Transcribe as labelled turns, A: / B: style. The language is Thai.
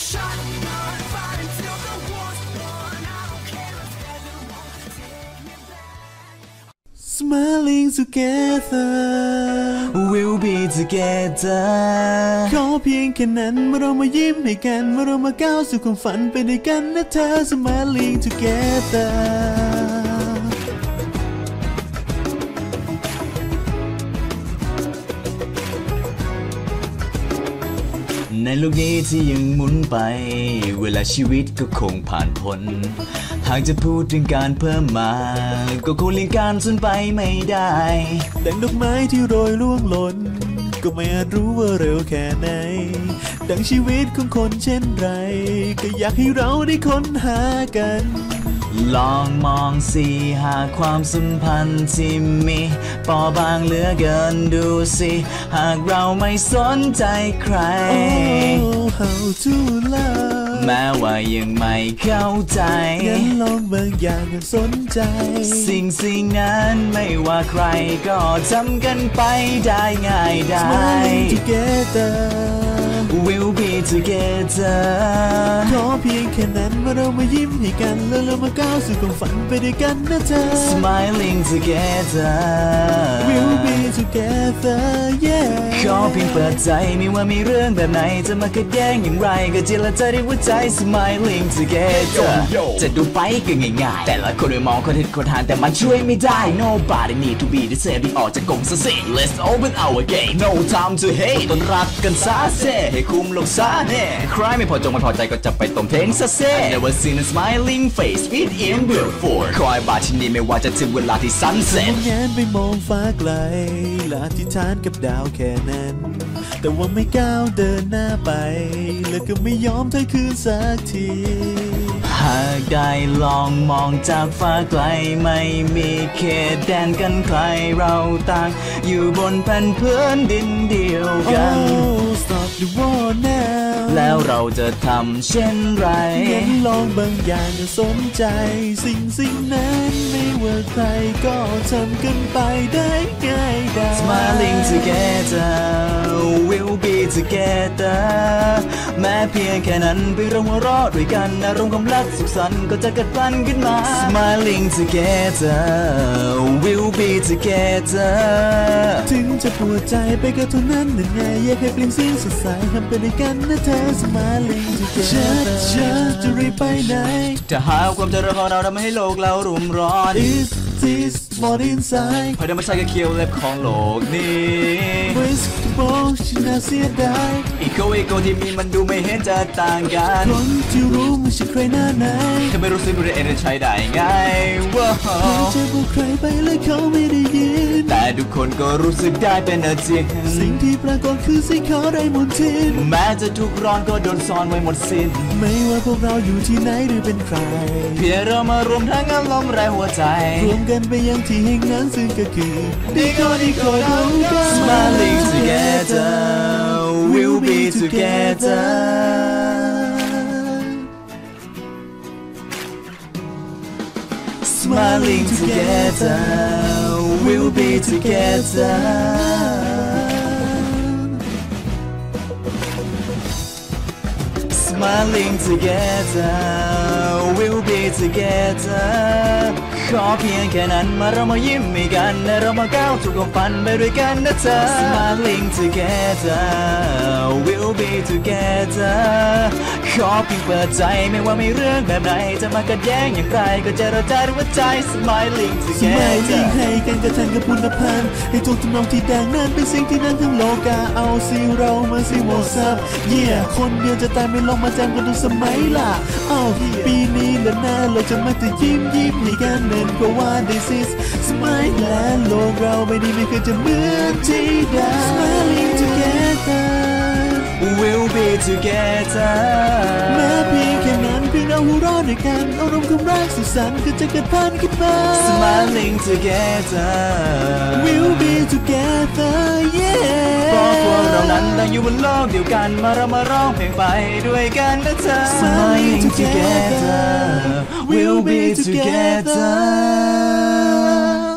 A: Smiling together
B: We'll be together
A: ขอเพียงแค่นั้นเมื่อเรามายิ้มให้กันเมื่อเรามาก้าวสู่ความฝันไปด้วยกันนะเธอ Smiling together
B: ในโลกนี้ที่ยังหมุนไปเวลาชีวิตก็คงผ่านพ้นหากจะพูดถึงการเพิ่มมาก็คงเลี่ยงการสูญไปไม่ได้
A: ดังดอกไม้ที่โรยร่วงหล่นก็ไม่อาจรู้ว่าเร็วแค่ไหนดังชีวิตของคนเช่นไรก็อยากให้เราได้ค้นหากัน
B: ลองมองสิหากความสัมพันธ์ที่มีเปราะบางเหลือเกินดูสิหากเราไม่สนใจใคร
A: Oh how to love
B: แม้ว่ายังไม่เข้าใจ
A: งั้นลองบางอย่างกันสนใจ
B: สิ่งนั้นไม่ว่าใครก็ทำกันไปได้ง่ายได้
A: Smiling together
B: We'll be together
A: ขอเพียงแค่นั้นเมื่อเรามายิ้มให้กันแล้วเรามาก้าวสู่ความฝันไปด้วยกันนะเธอ
B: Smiling together
A: We'll be together yeah
B: ขอเพียงเปิดใจไม่ว่ามีเรื่องแบบไหนจะมาขัดแย้งอย่างไรก็เจรจาด้วยหัวใจ Smiling together จะดูไปก็ง่ายๆแต่ละคนไปมองคนเห็นคนทานแต่มันช่วยไม่ได้ Nobody need to be the same ที่ออกจากกรงซะสิ Let's open our game No time to hate ต้นรักกันซะเซ่ให้คุมลงซะแน่ใครไม่พอจงไม่พอใจก็จะไปตรงเทงซะเซ่ Never seen a smiling face fit in before คอยบาที่นี่ไม่ว่าจะถึงเวลาที่ sunset
A: แงนไปมองฟ้าไกลและอธิษฐานกับดาวแค่นั้นแต่ว่าไม่ก้าวเดินหน้าไปแล้วก็ไม่ยอมถอยคืนสักที
B: หากได้ลองมองจากฟ้าไกลไม่มีเขตแดนกันใครเราต่างอยู่บนแผ่นพื้นดินเดียวกัน
A: Oh stop the war now
B: แล้วเราจะทำเช่นไร
A: งั้นลองบางอย่างจะสนใจสิ่งนั้นไม่ว่าใครก็ทำกันไปได้ง่ายได้
B: Smiling together we'll be together แม้เพียงแค่นั้นไปเราหัวเราะด้วยกันอารมณ์ความรักสุขสันต์ก็จะเกิดพลันขึ้นมา Smiling together we'll be together
A: ถึงจะปวดใจไปก็เท่านั้นนั่นไงอยากให้เปลี่ยนเสียงสดใสทำไปด้วยกันนะเธอ Smiling together จะรีบไปไหน
B: จะหาความเจริญของเราทำให้โลกเรารุ่มร้อน
A: Is this what inside
B: เพราะธรรมชาติก็เคี้ยวเล็บของโลกนี้
A: Risk to ball ฉันน่าเสียดาย
B: อีโก้ที่มีมันดูไม่เห็นจะต่างกัน
A: คนที่รู้ไม่ใช่ใครหน้าไหน
B: ถ้าไม่รู้สึกรู้ได้เองจะใช้ได้ไงว้าว
A: จะบอกใครไปแล้วเขาไม่ได้ยิน
B: แต่ทุกคนก็รู้สึกได้เป็นจริง
A: สิ่งที่ปรากฏคือสิ่งเขาได้หมดทิ้น
B: แม้จะทุกร้อนก็โดนซ่อนไว้หมดสิ้น
A: ไม่ว่าพวกเราอยู่ที่ไหนหรือเป็นใคร
B: เพียงเรามารวมทั้งอารมณ์แรงหัวใจ
A: รวมกันไปยังที่แห่งนั้นซึ่งก็คือดีก็เรากัน
B: Smiling together we'll be together Smiling together we'll be together Smiling together we'll be together ขอเพียงแค่นั้นมาเรามายิ้มให้กันและเรามาก้าวสู่ความฝันไปด้วยกันนะเธอ Smiling together we'll be together ขอเพียงเปิดใจไม่ว่ามีเรื่องแบบไหนจะมาขัดแย้งอย่างไรก็เจรจาด้วยหัวใจ Smiling together
A: ให้กันกระทันกับคุณพันธ์ให้ทุกทำนองที่ดังนั้นเป็นสิ่งที่นั่นทั้งโลกาเอาสิเรามาสิวอทซับคนเดียวจะตายไม่ลองมาจำกันทุกสมัยล่ะปีนี้และหน้าเราจะมาแต่ยิ้มให้กันเป็นเพราะว่า this is smile และโลกเราไม่เคยจะเหมือนที่ใด Smiling together
B: we'll be together
A: แม้เพียงแค่นั้นเพียงเราหัวเราะด้วยกันอารมณ์ความรักสุขสันต์ก็จะเกิดพันขึ้นมา
B: Smiling together
A: we'll be together yeah
B: เพราะพวกเรานั้นต่างอยู่บนโลกเดียวกันมาเรามาร้องเพลงไปด้วยกันนะเธอ
A: Smiling together we'll be together